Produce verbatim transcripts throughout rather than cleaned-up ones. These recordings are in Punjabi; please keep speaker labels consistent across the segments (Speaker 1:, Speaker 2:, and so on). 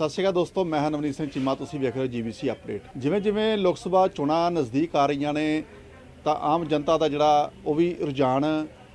Speaker 1: ਸਤਿ ਸ਼੍ਰੀ ਅਕਾਲ ਦੋਸਤੋ, ਮੈਂ ਹਾਂ ਨਵਨੀਤ ਸਿੰਘ ਚੀਮਾ। ਤੁਸੀਂ ਵੇਖ ਰਹੇ ਹੋ ਜੀ ਬੀ ਸੀ ਅਪਡੇਟ। ਜਿਵੇਂ ਜਿਵੇਂ ਲੋਕ ਸਭਾ ਚੋਣਾਂ ਨਜ਼ਦੀਕ ਆ ਰਹੀਆਂ ਨੇ ਤਾਂ ਆਮ ਜਨਤਾ ਦਾ ਜਿਹੜਾ ਉਹ ਵੀ ਰੁਝਾਨ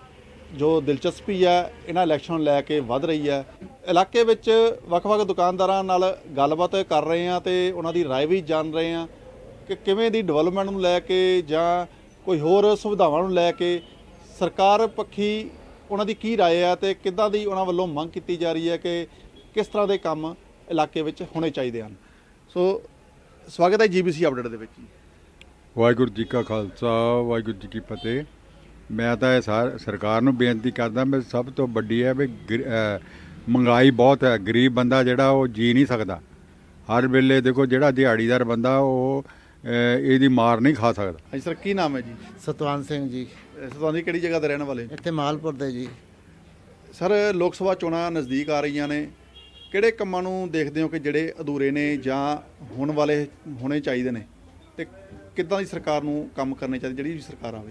Speaker 1: ਜੋ ਦਿਲਚਸਪੀ ਹੈ ਇਹਨਾਂ ਇਲੈਕਸ਼ਨ ਨੂੰ ਲੈ ਕੇ ਵੱਧ ਰਹੀ ਹੈ। ਇਲਾਕੇ ਵਿੱਚ ਵੱਖ-ਵੱਖ ਦੁਕਾਨਦਾਰਾਂ ਨਾਲ ਗੱਲਬਾਤ ਕਰ ਰਹੇ ਹਾਂ ਤੇ ਉਹਨਾਂ ਦੀ ਰਾਏ ਵੀ ਜਾਣ ਰਹੇ ਹਾਂ ਕਿ ਕਿਵੇਂ ਦੀ ਡਿਵੈਲਪਮੈਂਟ ਨੂੰ ਲੈ ਕੇ ਜਾਂ ਕੋਈ ਹੋਰ ਸੁਵਿਧਾਵਾਂ ਨੂੰ ਲੈ ਕੇ ਸਰਕਾਰ ਪੱਖੀ ਉਹਨਾਂ ਦੀ ਕੀ ਰਾਏ ਹੈ ਤੇ ਕਿੱਦਾਂ ਦੀ ਉਹਨਾਂ ਵੱਲੋਂ ਮੰਗ ਕੀਤੀ ਜਾ ਰਹੀ ਹੈ ਕਿ ਕਿਸ ਤਰ੍ਹਾਂ ਦੇ ਕੰਮ ਇਲਾਕੇ ਵਿੱਚ ਹੋਣੇ ਚਾਹੀਦੇ ਹਨ। ਸੋ ਸਵਾਗਤ ਹੈ ਜੀ ਬੀ ਸੀ ਅਪਡੇਟ ਦੇ ਵਿੱਚ।
Speaker 2: ਵਾਹਿਗੁਰੂ ਜੀ ਕਾ ਖਾਲਸਾ, ਵਾਹਿਗੁਰੂ ਜੀ ਕੀ ਫਤਿਹ। ਮੈਂ ਤਾਂ ਇਹ ਸਾਰ ਸਰਕਾਰ ਨੂੰ ਬੇਨਤੀ ਕਰਦਾ ਵੀ ਸਭ ਤੋਂ ਵੱਡੀ ਹੈ ਵੀ ਮਹਿੰਗਾਈ ਬਹੁਤ ਹੈ, ਗਰੀਬ ਬੰਦਾ ਜਿਹੜਾ ਉਹ ਜੀ ਨਹੀਂ ਸਕਦਾ। ਹਰ ਵੇਲੇ ਦੇਖੋ ਜਿਹੜਾ ਦਿਹਾੜੀਦਾਰ ਬੰਦਾ ਉਹ ਇਹਦੀ ਮਾਰ ਨਹੀਂ ਖਾ ਸਕਦਾ।
Speaker 1: ਹਾਂਜੀ ਸਰ, ਕੀ ਨਾਮ ਹੈ ਜੀ?
Speaker 3: ਸਤਵੰਤ ਸਿੰਘ ਜੀ।
Speaker 1: ਸਤਵੰਤ ਜੀ ਕਿਹੜੀ ਜਗ੍ਹਾ ਤੇ ਰਹਿਣ ਵਾਲੇ?
Speaker 3: ਇੱਥੇ ਮਾਲਪੁਰ ਦੇ ਜੀ।
Speaker 1: ਸਰ, ਲੋਕ ਸਭਾ ਚੋਣਾਂ ਨਜ਼ਦੀਕ ਆ ਰਹੀਆਂ ਨੇ, ਕਿਹੜੇ ਕੰਮਾਂ ਨੂੰ ਦੇਖਦੇ ਹੋ ਕਿ ਜਿਹੜੇ ਅਧੂਰੇ ਨੇ ਜਾਂ ਹੋਣ ਵਾਲੇ ਹੋਣੇ ਚਾਹੀਦੇ ਨੇ ਤੇ ਕਿੱਦਾਂ ਦੀ ਸਰਕਾਰ ਨੂੰ ਕੰਮ ਕਰਨੇ ਚਾਹੀਦੇ ਜਿਹੜੀ ਵੀ ਸਰਕਾਰ ਆਵੇ?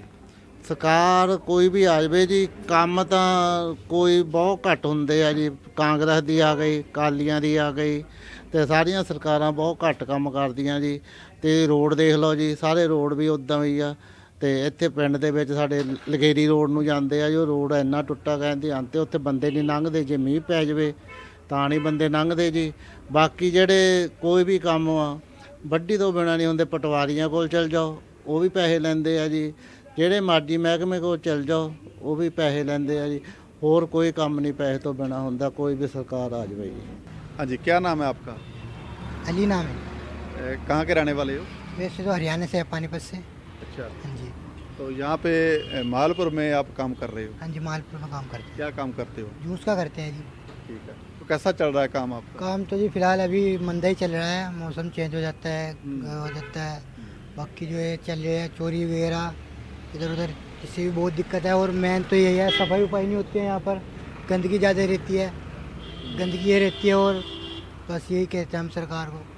Speaker 3: ਸਰਕਾਰ ਕੋਈ ਵੀ ਆ ਜਾਵੇ ਜੀ, ਕੰਮ ਤਾਂ ਕੋਈ ਬਹੁਤ ਘੱਟ ਹੁੰਦੇ ਆ ਜੀ। ਕਾਂਗਰਸ ਦੀ ਆ ਗਈ, ਅਕਾਲੀਆਂ ਦੀ ਆ ਗਈ ਤੇ ਸਾਰੀਆਂ ਸਰਕਾਰਾਂ ਬਹੁਤ ਘੱਟ ਕੰਮ ਕਰਦੀਆਂ ਜੀ। ਤੇ ਰੋਡ ਦੇਖ ਲਓ ਜੀ, ਸਾਰੇ ਰੋਡ ਵੀ ਉੱਦਾਂ ਹੀ ਆ। ਤੇ ਇੱਥੇ ਪਿੰਡ ਦੇ ਵਿੱਚ ਸਾਡੇ ਲਗੇਰੀ ਰੋਡ ਨੂੰ ਜਾਂਦੇ ਆ, ਜੋ ਰੋਡ ਇੰਨਾ ਟੁੱਟਾ ਕਹਿੰਦੇ ਅੰਤੇ ਉੱਥੇ ਬੰਦੇ ਨਹੀਂ ਲੰਘਦੇ। ਜੇ ਮੀਂਹ ਪੈ ਜਾਵੇ ਤਾਂ ਨਹੀਂ ਬੰਦੇ ਲੰਘਦੇ ਜੀ। ਬਾਕੀ ਜਿਹੜੇ ਕੋਈ ਵੀ ਕੰਮ ਆ ਵੱਡੀ ਤੋਂ ਬਿਨਾਂ ਨਹੀਂ ਹੁੰਦੇ। ਪਟਵਾਰੀਆਂ ਕੋਲ ਚਲ ਜਾਓ, ਉਹ ਵੀ ਪੈਸੇ ਲੈਂਦੇ ਆ ਜੀ। ਜਿਹੜੇ ਮਰਜ਼ੀ ਮਹਿਕਮੇ ਕੋਲ ਚਲ ਜਾਓ, ਉਹ ਵੀ ਪੈਸੇ ਲੈਂਦੇ ਆ ਜੀ। ਹੋਰ ਕੋਈ ਕੰਮ ਨਹੀਂ ਪੈਸੇ ਤੋਂ ਬਿਨਾਂ ਹੁੰਦਾ, ਕੋਈ ਵੀ ਸਰਕਾਰ ਆ ਜਾਵੇ जी।
Speaker 1: हाँ जी, क्या नाम है आपका?
Speaker 4: अली नाम है।
Speaker 1: ए, कहाँ के रहने वाले हो?
Speaker 4: वैसे तो हरियाणा से है, पानीपत से।
Speaker 1: अच्छा,
Speaker 4: हाँ जी।
Speaker 1: तो यहाँ पे ए, मालपुर में आप काम कर रहे हो?
Speaker 4: हाँ जी, मालपुर में काम करते
Speaker 1: क्या काम करते हो?
Speaker 4: हैं, जूस का करते हैं जी।
Speaker 1: ठीक है, तो कैसा चल रहा है काम आपका?
Speaker 4: काम तो जी फिलहाल अभी मंदा ही चल रहा है, मौसम चेंज हो जाता है, हो जाता है। बाकी जो है चल रहा है चोरी वगैरह इधर उधर, इससे भी बहुत दिक्कत है। और मेन तो यही है, सफाई उफाई नहीं होती है यहाँ पर, गंदगी ज़्यादा रहती है, गंदगी ये रहती है। और बस यही कहते हैं हम सरकार को,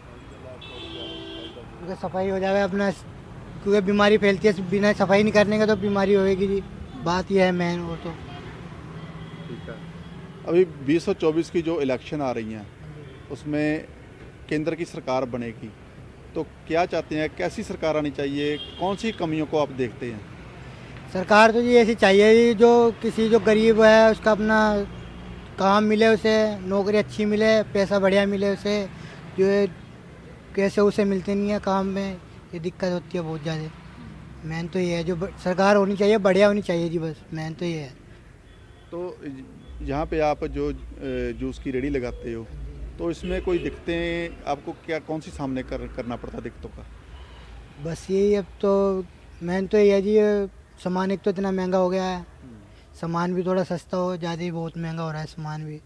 Speaker 4: क्योंकि सफाई हो जाए अपना, क्योंकि बीमारी फैलती है बिना सफाई नहीं करने का, तो बीमारी होएगी जी। बात यह है मेन। और तो
Speaker 1: ठीक है, अभी बीस सौ चौबीस की जो इलेक्शन आ रही हैं उसमें केंद्र की सरकार बनेगी, तो क्या चाहते हैं, कैसी सरकार आनी चाहिए, कौन सी कमियों को आप देखते हैं?
Speaker 4: सरकार तो जी ऐसी चाहिए जी, जो किसी जो गरीब है उसका अपना काम मिले, उसे नौकरी अच्छी मिले, पैसा बढ़िया मिले उसे। जो है कैसे उसे मिलते नहीं है काम में, ये दिक्कत होती है बहुत ज़्यादा। मेन तो ये है, जो सरकार होनी चाहिए बढ़िया होनी चाहिए जी, बस मेन तो ये है।
Speaker 1: तो यहाँ पे आप जो जूस की रेडी लगाते हो, तो इसमें कोई दिक्कतें आपको क्या कौन सी सामने कर करना पड़ता है दिक्कतों का? बस
Speaker 4: यही अब तो मेन तो ये है जी, सामान एक तो इतना महंगा हो गया है, सामान भी थोड़ा सस्ता हो, ज़्यादा ही बहुत महंगा हो रहा है सामान भी।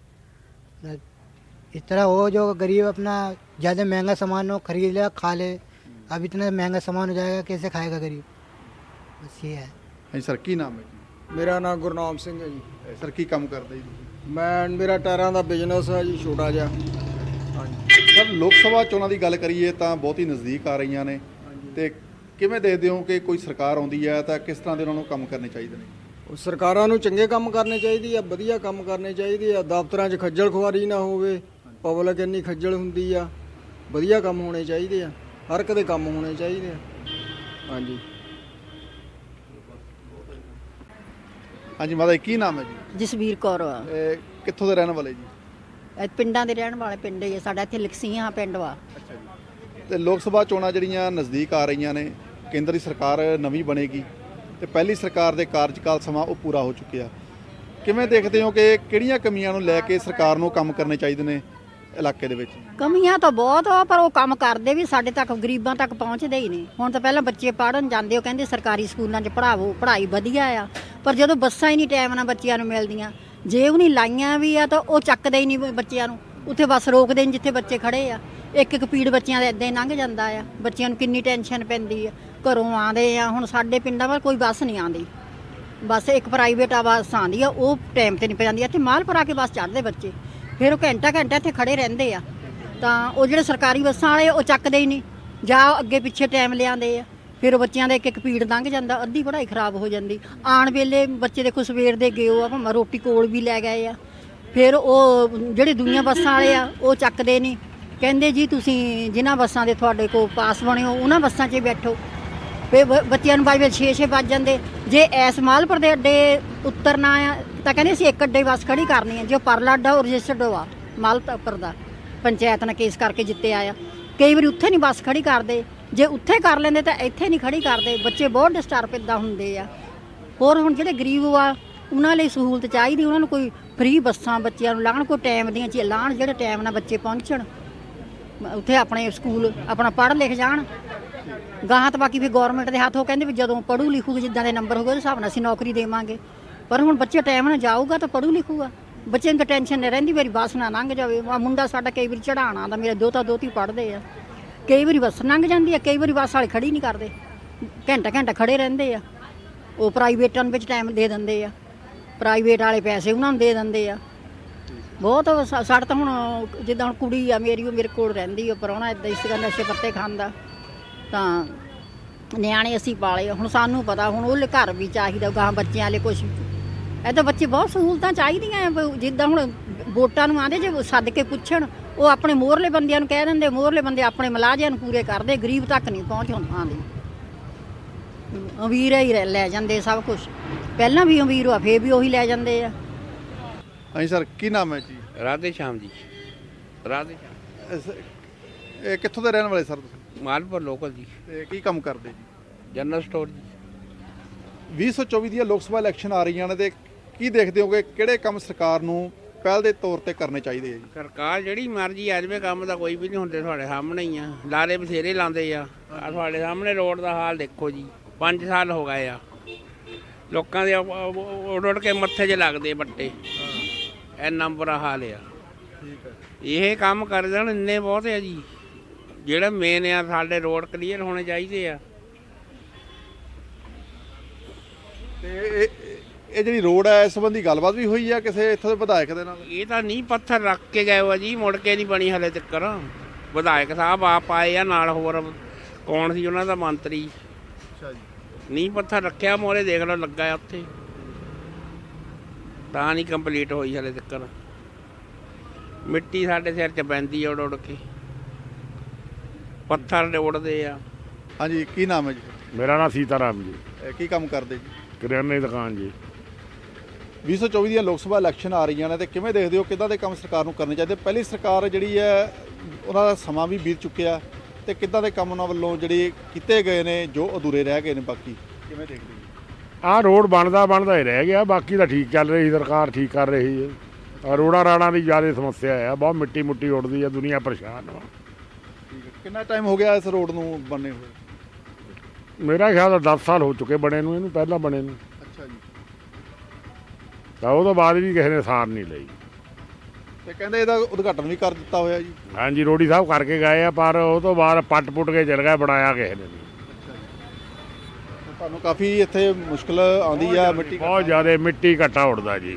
Speaker 4: इस तरह हो जो गरीब अपना ज़्यादा महंगा सामान हो खरीद ले खा ले। अब इतना महंगा सामान हो जाएगा, कैसे खाएगा गरीब? बस ये है।
Speaker 1: हाँ सर, की नाम है?
Speaker 5: ਮੇਰਾ ਨਾਮ ਗੁਰਨਾਮ ਸਿੰਘ ਹੈ ਜੀ।
Speaker 1: ਸਰ, ਕੀ ਕੰਮ ਕਰਦੇ ਜੀ?
Speaker 5: ਮੈਂ ਮੇਰਾ ਟਾਇਰਾਂ ਦਾ ਬਿਜ਼ਨਸ ਹੈ ਜੀ, ਛੋਟਾ ਜਿਹਾ। ਹਾਂਜੀ
Speaker 1: ਸਰ, ਲੋਕ ਸਭਾ ਚੋਣਾਂ ਦੀ ਗੱਲ ਕਰੀਏ ਤਾਂ ਬਹੁਤ ਹੀ ਨਜ਼ਦੀਕ ਆ ਰਹੀਆਂ ਨੇ ਤੇ ਕਿਵੇਂ ਦੇਖਦੇ ਹੋ ਕਿ ਕੋਈ ਸਰਕਾਰ ਆਉਂਦੀ ਹੈ ਤਾਂ ਕਿਸ ਤਰ੍ਹਾਂ ਦੇ ਉਹਨਾਂ ਨੂੰ ਕੰਮ ਕਰਨੇ ਚਾਹੀਦੇ ਨੇ?
Speaker 5: ਉਹ ਸਰਕਾਰਾਂ ਨੂੰ ਚੰਗੇ ਕੰਮ ਕਰਨੇ ਚਾਹੀਦੇ ਆ, ਵਧੀਆ ਕੰਮ ਕਰਨੇ ਚਾਹੀਦੇ ਆ। ਦਫ਼ਤਰਾਂ 'ਚ ਖੱਜਲ ਖੁਆਰੀ ਨਾ ਹੋਵੇ, ਪਬਲਿਕ ਇੰਨੀ ਖੱਜਲ ਹੁੰਦੀ ਆ। ਵਧੀਆ ਕੰਮ ਹੋਣੇ ਚਾਹੀਦੇ ਆ, ਹਰ ਇੱਕ ਦੇ ਕੰਮ ਹੋਣੇ ਚਾਹੀਦੇ ਆ। ਹਾਂਜੀ
Speaker 1: ਹਾਂਜੀ ਮਾਤਾ ਜੀ, ਕੀ ਨਾਮ ਹੈ ਜੀ?
Speaker 6: ਜਸਵੀਰ ਕੌਰ ਆ।
Speaker 1: ਇਹ ਕਿੱਥੋਂ ਦੇ ਰਹਿਣ ਵਾਲੇ ਜੀ?
Speaker 6: ਇਹ ਪਿੰਡਾਂ ਦੇ ਰਹਿਣ ਵਾਲੇ ਪਿੰਡ ਹੀ ਆ ਸਾਡਾ, ਇੱਥੇ ਲਕਸੀਆਂ ਪਿੰਡ ਵਾ।
Speaker 1: ਅੱਛਾ ਜੀ। ਤੇ ਲੋਕ ਸਭਾ ਚੋਣਾਂ ਜਿਹੜੀਆਂ ਨਜ਼ਦੀਕ ਆ ਰਹੀਆਂ ਨੇ, ਕੇਂਦਰ ਦੀ ਸਰਕਾਰ ਨਵੀਂ ਬਣੇਗੀ ਤੇ ਪਹਿਲੀ ਸਰਕਾਰ ਦੇ ਕਾਰਜਕਾਲ ਸਮਾਂ ਉਹ ਪੂਰਾ ਹੋ ਚੁੱਕਿਆ। ਕਿਵੇਂ ਦੇਖਦੇ ਹੋ ਕਿ ਕਿਹੜੀਆਂ ਕਮੀਆਂ ਨੂੰ ਲੈ ਕੇ ਸਰਕਾਰ ਨੂੰ ਕੰਮ ਕਰਨੇ ਚਾਹੀਦੇ ਨੇ ਇਲਾਕੇ ਦੇ ਵਿੱਚ?
Speaker 6: ਕਮੀਆਂ ਤਾਂ ਬਹੁਤ ਆ, ਪਰ ਉਹ ਕੰਮ ਕਰਦੇ ਵੀ ਸਾਡੇ ਤੱਕ ਗਰੀਬਾਂ ਤੱਕ ਪਹੁੰਚਦੇ ਹੀ ਨਹੀਂ। ਹੁਣ ਤਾਂ ਪਹਿਲਾਂ ਬੱਚੇ ਪੜ੍ਹਨ ਜਾਂਦੇ, ਉਹ ਕਹਿੰਦੇ ਸਰਕਾਰੀ ਸਕੂਲਾਂ 'ਚ ਪੜ੍ਹਾਵੋ, ਪੜ੍ਹਾਈ ਵਧੀਆ ਆ, ਪਰ ਜਦੋਂ ਬੱਸਾਂ ਹੀ ਨਹੀਂ ਟਾਈਮ ਨਾਲ ਬੱਚਿਆਂ ਨੂੰ ਮਿਲਦੀਆਂ, ਜੇ ਉਹ ਨਹੀਂ ਲਾਈਆਂ ਵੀ ਆ ਤਾਂ ਉਹ ਚੱਕਦੇ ਹੀ ਨਹੀਂ ਬੱਚਿਆਂ ਨੂੰ। ਉੱਥੇ ਬੱਸ ਰੋਕਦੇ ਨਹੀਂ ਜਿੱਥੇ ਬੱਚੇ ਖੜੇ ਆ। ਇੱਕ ਇੱਕ ਪੀੜ ਬੱਚਿਆਂ ਦਾ ਇੱਦਾਂ ਹੀ ਲੰਘ ਜਾਂਦਾ ਆ। ਬੱਚਿਆਂ ਨੂੰ ਕਿੰਨੀ ਟੈਨਸ਼ਨ ਪੈਂਦੀ ਆ, ਘਰੋਂ ਆਉਂਦੇ ਆ। ਹੁਣ ਸਾਡੇ ਪਿੰਡਾਂ ਵੱਲ ਕੋਈ ਬੱਸ ਨਹੀਂ ਆਉਂਦੀ, ਬਸ ਇੱਕ ਪ੍ਰਾਈਵੇਟ ਆ ਬੱਸ ਆਉਂਦੀ ਆ, ਉਹ ਟਾਈਮ 'ਤੇ ਨਹੀਂ ਪੈਂਦੀ। ਇੱਥੇ ਮਾਲਪੁਰ ਆ ਕੇ ਬੱਸ ਚੜ੍ਹਦੇ ਬੱਚੇ, ਫਿਰ ਉਹ ਘੰਟਾ ਘੰਟਾ ਇੱਥੇ ਖੜੇ ਰਹਿੰਦੇ ਆ। ਤਾਂ ਉਹ ਜਿਹੜੇ ਸਰਕਾਰੀ ਬੱਸਾਂ ਵਾਲੇ ਉਹ ਚੱਕਦੇ ਹੀ ਨਹੀਂ, ਜਾਂ ਅੱਗੇ ਪਿੱਛੇ ਟਾਈਮ ਲਿਆਉਂਦੇ ਆ। ਫਿਰ ਬੱਚਿਆਂ ਦਾ ਇੱਕ ਇੱਕ ਪੀੜ ਲੰਘ ਜਾਂਦਾ, ਅੱਧੀ ਪੜ੍ਹਾਈ ਖਰਾਬ ਹੋ ਜਾਂਦੀ। ਆਉਣ ਵੇਲੇ ਬੱਚੇ ਦੇਖੋ ਸਵੇਰ ਦੇ ਗਏ ਆ, ਭਾਵੇਂ ਰੋਟੀ ਕੋਲ ਵੀ ਲੈ ਗਏ ਆ। ਫਿਰ ਉਹ ਜਿਹੜੇ ਦੂਈਆਂ ਬੱਸਾਂ ਵਾਲੇ ਆ ਉਹ ਚੱਕਦੇ ਨਹੀਂ, ਕਹਿੰਦੇ ਜੀ ਤੁਸੀਂ ਜਿਨ੍ਹਾਂ ਬੱਸਾਂ ਦੇ ਤੁਹਾਡੇ ਕੋਲ ਪਾਸ ਬਣੇ ਹੋ ਉਹਨਾਂ ਬੱਸਾਂ 'ਚ ਹੀ ਬੈਠੋ। ਫਿਰ ਬ- ਬੱਚਿਆਂ ਨੂੰ ਬਾਈ ਛੇ ਛੇ ਵੱਜ ਜਾਂਦੇ। ਜੇ ਐਸ ਮਾਲਪੁਰ ਦੇ ਅੱਡੇ ਉਤਰਨਾ ਆ ਤਾਂ ਕਹਿੰਦੇ ਅਸੀਂ ਇੱਕ ਅੱਡੇ ਬੱਸ ਖੜੀ ਕਰਨੀ ਹੈ। ਜੋ ਪਰਲਾ ਅੱਡਾ ਉਹ ਰਜਿਸਟਰਡ ਆ ਮਾਲਪੁਰ ਦਾ, ਪੰਚਾਇਤ ਨੇ ਕੇਸ ਕਰਕੇ ਜਿੱਤੇ ਆਇਆ। ਕਈ ਵਾਰੀ ਉੱਥੇ ਨਹੀਂ ਬੱਸ ਖੜੀ ਕਰਦੇ, ਜੇ ਉੱਥੇ ਕਰ ਲੈਂਦੇ ਤਾਂ ਇੱਥੇ ਨਹੀਂ ਖੜੀ ਕਰਦੇ। ਬੱਚੇ ਬਹੁਤ ਡਿਸਟਰਬ ਇੱਦਾਂ ਹੁੰਦੇ ਆ। ਹੋਰ ਹੁਣ ਜਿਹੜੇ ਗਰੀਬ ਆ ਉਹਨਾਂ ਲਈ ਸਹੂਲਤ ਚਾਹੀਦੀ, ਉਹਨਾਂ ਨੂੰ ਕੋਈ ਫ੍ਰੀ ਬੱਸਾਂ ਬੱਚਿਆਂ ਨੂੰ ਲਾਉਣ, ਕੋਈ ਟਾਈਮ ਦੀਆਂ ਚੀਜ਼ਾਂ ਲਾਉਣ ਜਿਹੜੇ ਟਾਈਮ ਨਾਲ ਬੱਚੇ ਪਹੁੰਚਣ ਉੱਥੇ ਆਪਣੇ ਸਕੂਲ ਆਪਣਾ ਪੜ੍ਹ ਲਿਖ ਜਾਣ ਗਾਹਾਂ। ਤਾਂ ਬਾਕੀ ਫਿਰ ਗੌਰਮੈਂਟ ਦੇ ਹੱਥ, ਉਹ ਕਹਿੰਦੇ ਵੀ ਜਦੋਂ ਪੜ੍ਹੂ ਲਿਖੂਗਾ ਜਿੱਦਾਂ ਦੇ ਨੰਬਰ ਹੋਊਗਾ ਉਸ ਹਿਸਾਬ ਨਾਲ ਅਸੀਂ ਨੌਕਰੀ ਦੇਵਾਂਗੇ। ਪਰ ਹੁਣ ਬੱਚੇ ਟਾਈਮ ਨਾਲ ਜਾਊਗਾ ਤਾਂ ਪੜ੍ਹੂ ਲਿਖੂਗਾ। ਬੱਚੇ ਨੂੰ ਟੈਨਸ਼ਨ ਨਹੀਂ ਰਹਿੰਦੀ ਮੇਰੀ ਬੱਸ ਨਾ ਲੰਘ ਜਾਵੇ। ਆਹ ਮੁੰਡਾ ਸਾਡਾ ਕਈ ਵਾਰੀ ਚੜ੍ਹਾਉਣ ਆਉਂਦਾ, ਮੇਰੇ ਦੋਤਾ ਦੋਤੀ ਪੜ੍ਹਦੇ ਆ, ਕਈ ਵਾਰੀ ਬੱਸ ਲੰਘ ਜਾਂਦੀ ਆ, ਕਈ ਵਾਰੀ ਬੱਸ ਵਾਲੇ ਖੜੀ ਨਹੀਂ ਕਰਦੇ, ਘੰਟਾ ਘੰਟਾ ਖੜੇ ਰਹਿੰਦੇ ਆ। ਉਹ ਪ੍ਰਾਈਵੇਟਾਂ ਵਿੱਚ ਟਾਈਮ ਦੇ ਦਿੰਦੇ ਆ, ਪ੍ਰਾਈਵੇਟ ਵਾਲੇ ਪੈਸੇ ਉਹਨਾਂ ਨੂੰ ਦੇ ਦਿੰਦੇ ਆ। ਬਹੁਤ ਸਾ- ਸਾਡੇ ਤਾਂ ਹੁਣ ਜਿੱਦਾਂ ਹੁਣ ਕੁੜੀ ਆ ਮੇਰੀ, ਉਹ ਮੇਰੇ ਕੋਲ ਰਹਿੰਦੀ ਆ, ਪ੍ਰਾਹੁਣਾ ਇੱਦਾਂ ਇਸ ਗੱਲ ਨਸ਼ੇ ਪੱਤੇ ਖਾਂਦਾ, ਤਾਂ ਨਿਆਣੇ ਅਸੀਂ ਪਾਲੇ। ਹੁਣ ਸਾਨੂੰ ਪਤਾ ਹੁਣ ਉਹਲੇ ਘਰ ਵੀ ਚਾਹੀਦਾ, ਗਾਹਾਂ ਬੱਚਿਆਂ ਵਾਲੇ ਕੁਛ ਇੱਦਾਂ ਬੱਚੇ ਬਹੁਤ ਸਹੂਲਤਾਂ ਚਾਹੀਦੀਆਂ ਆ। ਬ- ਜਿੱਦਾਂ ਹੁਣ ਵੋਟਾਂ ਨੂੰ ਆਉਂਦੇ, ਜੇ ਸੱਦ ਕੇ ਪੁੱਛਣ ਉਹ ਆਪਣੇ ਮੋਹਰਲੇ ਬੰਦਿਆਂ ਨੂੰ ਕਹਿ ਦਿੰਦੇ, ਮੋਹਰਲੇ ਬੰਦੇ ਆਪਣੇ ਮੁਲਾਜ਼ਮਾਂ ਨੂੰ ਪੂਰੇ ਕਰਦੇ, ਗਰੀਬ ਤੱਕ ਨਹੀਂ ਪਹੁੰਚ ਆਉਂਦੀ। ਅਮੀਰ ਹੀ ਰਹਿ- ਲੈ ਜਾਂਦੇ ਸਭ ਕੁਝ, ਪਹਿਲਾਂ ਵੀ ਅਮੀਰ ਆ ਫੇਰ ਵੀ ਉਹੀ ਲੈ ਜਾਂਦੇ ਆ।
Speaker 1: ਹਾਂਜੀ ਸਰ, ਕੀ ਨਾਮ ਹੈ ਜੀ?
Speaker 7: ਰਾਧੇ ਸ਼ਾਮ ਜੀ, ਰਾਧੇ ਸ਼ਾਮ।
Speaker 1: ਇਸ- ਇਹ ਕਿੱਥੋਂ ਦੇ ਰਹਿਣ ਵਾਲੇ ਸਰ ਤੁਸੀਂ?
Speaker 7: ਮਾਲਪੁਰ ਲੋਕਲ ਜੀ,
Speaker 1: ਤੇ ਕੀ ਕੰਮ ਕਰਦੇ ਜੀ?
Speaker 7: ਜਨਰਲ ਸਟੋਰ ਜੀ।
Speaker 1: ਵੀਹ ਸੌ ਚੌਵੀ ਦੀਆਂ ਲੋਕ ਸਭਾ ਇਲੈਕਸ਼ਨ ਆ ਰਹੀਆਂ ਨੇ ਤੇ ਕੀ ਦੇਖਦੇ ਹੋਗੇ ਕਿਹੜੇ ਕੰਮ ਸਰਕਾਰ ਨੂੰ ਪਹਿਲ ਦੇ ਤੌਰ ਤੇ ਕਰਨੇ ਚਾਹੀਦੇ ਆ ਜੀ?
Speaker 7: ਸਰਕਾਰ ਜਿਹੜੀ ਮਰਜ਼ੀ ਆ ਜਾਵੇ, ਕੰਮ ਤਾਂ ਕੋਈ ਵੀ ਨਹੀਂ ਹੁੰਦੇ, ਤੁਹਾਡੇ ਸਾਹਮਣੇ ਹੀ ਆ। ਲਾਰੇ ਬਥੇਰੇ ਲਾਉਂਦੇ ਆ, ਆ ਤੁਹਾਡੇ ਸਾਹਮਣੇ ਰੋਡ ਦਾ ਹਾਲ ਦੇਖੋ ਜੀ। ਪੰਜ ਸਾਲ ਹੋ ਗਏ ਆ, ਲੋਕਾਂ ਦੇ ਉੱਡ ਉੱਡ ਕੇ ਮੱਥੇ 'ਚ ਲੱਗਦੇ ਬੱਟੇ, ਇੰਨਾ ਬੁਰਾ ਹਾਲ ਆ। ਇਹ ਕੰਮ ਕਰ ਦੇਣ ਇੰਨੇ ਬਹੁਤ ਆ ਜੀ। ਜਿਹੜਾ ਮੇਨ ਆ ਸਾਡੇ ਰੋਡ ਕਲੀਅਰ ਹੋਣੇ ਚਾਹੀਦੇ ਆ।
Speaker 1: ਤੇ ਇਹ ਇਹ ਜਿਹੜੀ ਰੋਡ ਹੈ ਇਸ ਸੰਬੰਧੀ ਗੱਲਬਾਤ ਵੀ ਹੋਈ ਆ ਕਿਸੇ ਇੱਥੋਂ ਦੇ ਵਿਧਾਇਕ ਦੇ ਨਾਲ?
Speaker 7: ਇਹ ਤਾਂ ਨਹੀਂ ਪੱਥਰ ਰੱਖ ਕੇ ਗਏ ਹੋ ਜੀ, ਮੁੜ ਕੇ ਨਹੀਂ ਬਣੀ ਹਲੇ ਤੱਕ। ਵਿਧਾਇਕ ਸਾਹਿਬ ਆਪ ਆਏ ਆ ਨਾਲ, ਹੋਰ ਕੌਣ ਸੀ ਉਹਨਾਂ ਦਾ ਮੰਤਰੀ।
Speaker 1: ਅੱਛਾ ਜੀ।
Speaker 7: ਨਹੀਂ ਪੱਥਰ ਰੱਖਿਆ ਮੋਰੇ ਦੇਖ ਲਓ ਲੱਗਾ ਆ ਉੱਥੇ, ਤਾਂ ਨਹੀਂ ਕੰਪਲੀਟ ਹੋਈ ਹਲੇ ਤੱਕ। ਮਿੱਟੀ ਸਾਡੇ ਸਿਰ 'ਚ ਪੈਂਦੀ ਆ ਉੱਡ ਉੱਡ ਕੇ, ਪੱਥਰ ਉੱਡਦੇ ਆ।
Speaker 1: ਹਾਂਜੀ, ਕੀ ਨਾਮ ਹੈ ਜੀ?
Speaker 8: ਮੇਰਾ ਨਾਮ ਸੀਤਾ ਰਾਮ ਜੀ,
Speaker 1: ਇਹ ਕੀ ਕੰਮ ਕਰਦੇ ਜੀ?
Speaker 8: ਕਰਿਆਨੇ ਦੀ ਦੁਕਾਨ ਜੀ।
Speaker 1: ਵੀਹ ਸੌ ਚੌਵੀ ਦੀਆਂ ਲੋਕ ਸਭਾ ਇਲੈਕਸ਼ਨ ਆ ਰਹੀਆਂ ਨੇ ਤੇ ਕਿਵੇਂ ਦੇਖਦੇ ਹੋ ਕਿੱਦਾਂ ਦੇ ਕੰਮ ਸਰਕਾਰ ਨੂੰ ਕਰਨੇ ਚਾਹੀਦੇ? ਪਹਿਲੀ ਸਰਕਾਰ ਜਿਹੜੀ ਹੈ ਉਹਨਾਂ ਦਾ ਸਮਾਂ ਵੀ ਬੀਤ ਚੁੱਕਿਆ ਤੇ ਕਿੱਦਾਂ ਦੇ ਕੰਮ ਉਹਨਾਂ ਵੱਲੋਂ ਜਿਹੜੇ ਕੀਤੇ ਗਏ ਨੇ ਜੋ ਅਧੂਰੇ ਰਹਿ ਗਏ ਨੇ, ਬਾਕੀ ਕਿਵੇਂ ਦੇਖਦੇ ਹੋ?
Speaker 8: ਆਹ ਰੋਡ ਬਣਦਾ ਬਣਦਾ ਹੀ ਰਹਿ ਗਿਆ, ਬਾਕੀ ਤਾਂ ਠੀਕ ਚੱਲ ਰਹੀ, ਸਰਕਾਰ ਠੀਕ ਕਰ ਰਹੀ ਹੈ। ਆਹ ਰੋਡਾਂ ਰਾੜਾਂ ਦੀ ਜ਼ਿਆਦਾ ਸਮੱਸਿਆ ਆ, ਬਹੁਤ ਮਿੱਟੀ ਮੁੱਟੀ ਉੱਡਦੀ ਆ, ਦੁਨੀਆ ਪਰੇਸ਼ਾਨ ਵਾ।
Speaker 1: ਠੀਕ ਹੈ, ਕਿੰਨਾ ਟਾਈਮ ਹੋ ਗਿਆ ਇਸ ਰੋਡ ਨੂੰ ਬਣੇ ਹੋਏ?
Speaker 8: ਮੇਰਾ ਖਿਆਲ ਤਾਂ ਦਸ ਸਾਲ ਹੋ ਚੁੱਕੇ ਬਣੇ ਨੂੰ, ਇਹਨੂੰ ਪਹਿਲਾਂ ਬਣੇ ਨੂੰ।
Speaker 1: ਅੱਛਾ ਜੀ।
Speaker 8: ਤਾਂ ਉਹ ਤੋਂ ਬਾਅਦ ਵੀ ਕਿਸੇ ਨੇ ਸਾਰ ਨਹੀਂ ਲਈ।
Speaker 1: ਤੇ ਕਹਿੰਦੇ ਇਹਦਾ ਉਦਘਾਟਨ ਵੀ ਕਰ ਦਿੱਤਾ ਹੋਇਆ ਜੀ।
Speaker 8: ਹਾਂਜੀ, ਰੋਡੀ ਸਾਹਿਬ ਕਰਕੇ ਗਏ ਆ, ਪਰ ਉਹ ਤੋਂ ਬਾਅਦ ਪੱਟ ਪੁੱਟ ਕੇ ਚਲ ਗਿਆ, ਬਣਾਇਆ ਕਿਸੇ ਨੇ ਨਹੀਂ।
Speaker 1: ਤੁਹਾਨੂੰ ਕਾਫੀ ਇੱਥੇ ਮੁਸ਼ਕਲ ਆਉਂਦੀ ਆ ਮਿੱਟੀ
Speaker 8: ਬਹੁਤ ਜ਼ਿਆਦਾ ਮਿੱਟੀ ਘੱਟਾ ਉੱਡਦਾ ਜੀ।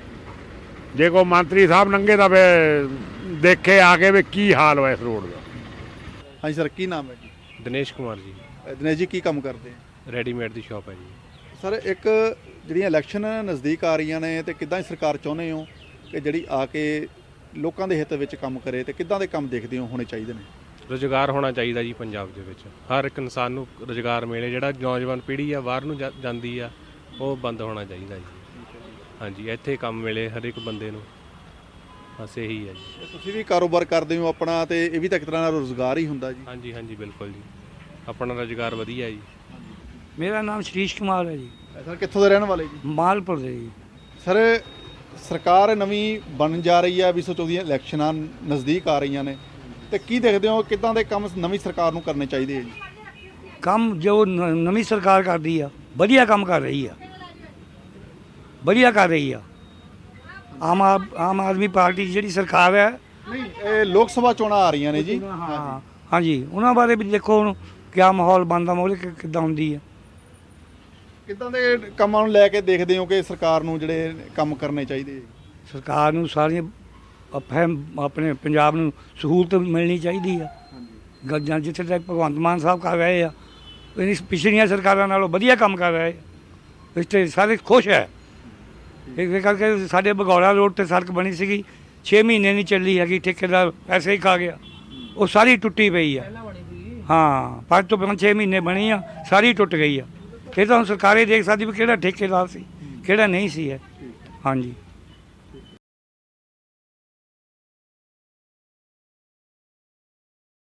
Speaker 8: ਜੇ ਕੋਈ ਮੰਤਰੀ ਸਾਹਿਬ ਨੰਗੇ ਤਾਂ ਵੇ ਦੇਖੇ ਆ ਕੇ ਵੀ ਕੀ ਹਾਲ ਹੋਇਆ ਇਸ ਰੋਡ ਦਾ।
Speaker 1: ਹਾਂਜੀ ਸਰ, ਕੀ ਨਾਮ ਹੈ ਜੀ?
Speaker 9: ਦਿਨੇਸ਼ ਕੁਮਾਰ ਜੀ,
Speaker 1: ਅ, ਦਿਨੇਸ਼ ਜੀ, ਕੀ ਕੰਮ ਕਰਦੇ ਆ?
Speaker 9: ਰੈਡੀਮੇਡ ਦੀ ਸ਼ਾਪ ਹੈ ਜੀ।
Speaker 1: ਸਰ, ਇੱਕ ਜਿਹੜੀਆਂ ਇਲੈਕਸ਼ਨ ਨਜ਼ਦੀਕ ਆ ਰਹੀਆਂ ਨੇ ਤੇ ਕਿੱਦਾਂ ਸਰਕਾਰ ਚਾਹੁੰਦੇ ਹੋ ਕਿ ਜਿਹੜੀ ਆ ਕੇ ਲੋਕਾਂ ਦੇ ਹਿੱਤ ਵਿੱਚ ਕੰਮ ਕਰੇ ਤੇ ਕਿੱਦਾਂ ਦੇ ਕੰਮ ਦੇਖਦੇ ਹੋ ਹੋਣੇ ਚਾਹੀਦੇ ਨੇ?
Speaker 9: ਰੁਜ਼ਗਾਰ ਹੋਣਾ ਚਾਹੀਦਾ ਜੀ ਪੰਜਾਬ ਦੇ ਵਿੱਚ, ਹਰ ਇੱਕ ਇਨਸਾਨ ਨੂੰ ਰੁਜ਼ਗਾਰ ਮਿਲੇ। ਜਿਹੜਾ ਨੌਜਵਾਨ ਪੀੜ੍ਹੀ ਆ ਬਾਹਰ ਨੂੰ ਜਾ- ਜਾਂਦੀ ਆ, ਉਹ ਬੰਦ ਹੋਣਾ ਚਾਹੀਦਾ ਜੀ। ਹਾਂਜੀ, ਇੱਥੇ ਕੰਮ ਮਿਲੇ ਹਰ ਇੱਕ ਬੰਦੇ ਨੂੰ, ਬਸ ਇਹੀ ਹੈ ਜੀ।
Speaker 1: ਤੁਸੀਂ ਵੀ ਕਾਰੋਬਾਰ ਕਰਦੇ ਹੋ ਆਪਣਾ ਤੇ ਇਹ ਵੀ ਤਾਂ ਇੱਕ ਤਰ੍ਹਾਂ ਦਾ ਰੁਜ਼ਗਾਰ ਹੀ ਹੁੰਦਾ ਜੀ।
Speaker 9: ਹਾਂਜੀ ਹਾਂਜੀ ਬਿਲਕੁਲ ਜੀ, ਆਪਣਾ ਰੁਜ਼ਗਾਰ ਵਧੀਆ ਜੀ।
Speaker 10: ਮੇਰਾ ਨਾਮ ਸ਼ਰੀਸ਼ ਕੁਮਾਰ ਹੈ ਜੀ,
Speaker 1: ਸਰ, ਕਿੱਥੋਂ ਦੇ ਰਹਿਣ ਵਾਲੇ ਜੀ?
Speaker 10: ਮਾਲਪੁਰ ਦੇ ਜੀ।
Speaker 1: ਸਰ, ਸਰਕਾਰ ਨਵੀਂ ਬਣਨ ਜਾ ਰਹੀ ਹੈ, ਵੀਹ ਸੌ ਚੌਵੀ ਇਲੈਕਸ਼ਨਾਂ ਨਜ਼ਦੀਕ ਆ ਰਹੀਆਂ ਨੇ ਤੇ ਕੀ ਦੇਖਦੇ ਹੋ ਕਿੱਦਾਂ ਦੇ ਕੰਮ ਨਵੀਂ ਸਰਕਾਰ ਨੂੰ ਕਰਨੇ ਚਾਹੀਦੇ ਹੈ ਜੀ?
Speaker 10: ਕੰਮ ਜੋ ਨ- ਨਵੀਂ ਸਰਕਾਰ ਕਰਦੀ ਆ ਵਧੀਆ ਕੰਮ ਕਰ ਰਹੀ ਆ, ਵਧੀਆ ਕਰ ਰਹੀ ਆ। ਆਮ ਆਦ- ਆਮ ਆਦਮੀ ਪਾਰਟੀ ਦੀ ਜਿਹੜੀ ਸਰਕਾਰ ਹੈ,
Speaker 1: ਨਹੀਂ, ਇਹ ਲੋਕ ਸਭਾ ਚੋਣਾਂ ਆ ਰਹੀਆਂ ਨੇ ਜੀ।
Speaker 10: ਹਾਂ ਹਾਂਜੀ, ਉਹਨਾਂ ਬਾਰੇ ਵੀ ਦੇਖੋ ਹੁਣ ਕਿਆ ਮਾਹੌਲ ਬਣਦਾ, ਮਾਹੌਲ ਕਿ- ਕਿੱਦਾਂ ਹੁੰਦੀ ਆ।
Speaker 1: ਕਿੱਦਾਂ ਦੇ ਕੰਮਾਂ ਨੂੰ ਲੈ ਕੇ ਦੇਖਦੇ ਹੋ ਕਿ ਸਰਕਾਰ ਨੂੰ ਜਿਹੜੇ ਕੰਮ ਕਰਨੇ ਚਾਹੀਦੇ?
Speaker 10: ਸਰਕਾਰ ਨੂੰ ਸਾਰੀਆਂ ਅਫਹਿਮ ਆਪਣੇ ਪੰਜਾਬ ਨੂੰ ਸਹੂਲਤ ਮਿਲਣੀ ਚਾਹੀਦੀ ਆ। ਗ- ਜਾਂ ਜਿੱਥੇ ਤੱਕ ਭਗਵੰਤ ਮਾਨ ਸਾਹਿਬ ਕਰ ਰਹੇ ਆ, ਇਹਨੀ ਪਿਛਲੀਆਂ ਸਰਕਾਰਾਂ ਨਾਲੋਂ ਵਧੀਆ ਕੰਮ ਕਰ ਰਹੇ ਆ। ਇਸ 'ਤੇ ਸਾਰੇ ਖੁਸ਼ ਹੈ। ਇਸ ਕਰਕੇ ਸਾਡੇ ਬਗੌੜਾ ਰੋਡ 'ਤੇ ਸੜਕ ਬਣੀ ਸੀਗੀ, ਛੇ ਮਹੀਨੇ ਨਹੀਂ ਚੱਲੀ ਹੈਗੀ, ਠੇਕੇਦਾਰ ਪੈਸੇ ਹੀ ਖਾ ਗਿਆ। ਉਹ ਸਾਰੀ ਟੁੱਟੀ ਪਈ ਆ। ਹਾਂ ਪੰਜ ਤੋਂ ਪੰਜ ਛੇ ਮਹੀਨੇ ਬਣੀ ਆ, ਸਾਰੀ ਟੁੱਟ ਗਈ ਆ। ਇਹ ਤਾਂ ਹੁਣ ਸਰਕਾਰੇ ਦੇਖ ਸਕਦੀ ਵੀ ਕਿਹੜਾ ਠੇਕੇਦਾਰ ਸੀ ਕਿਹੜਾ ਨਹੀਂ ਸੀ ਹੈ। ਹਾਂਜੀ।